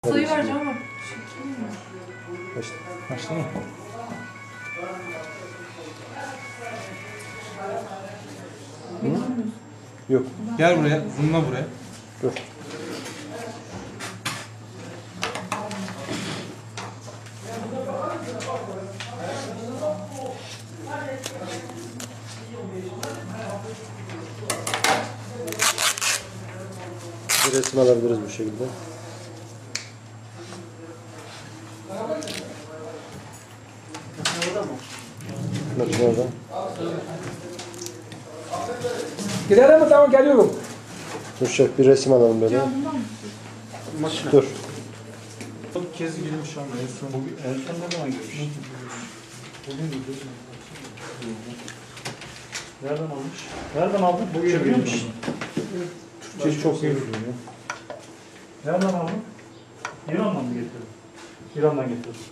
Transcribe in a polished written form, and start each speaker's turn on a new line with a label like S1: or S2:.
S1: Sayı vereceğim ama.
S2: Başla mı? Yok.
S3: Gel buraya, zoomla buraya.
S2: Dur. Bir resim alabiliriz bu şekilde. Bakın orada.
S4: Gidelim mi? Tamam geliyorum.
S2: Dur şef bir resim alalım böyle. Dur.
S3: Bir kez girmiş ama en son.
S5: En son ne zaman girmiş?
S3: Bugün gidiyoruz.
S5: Nereden almış? Nereden aldın? Bugün biliyor musun?
S3: Türkçe çok iyi biliyor.
S5: Nereden aldın? İran'dan mı getirdin? İran'dan getirdim.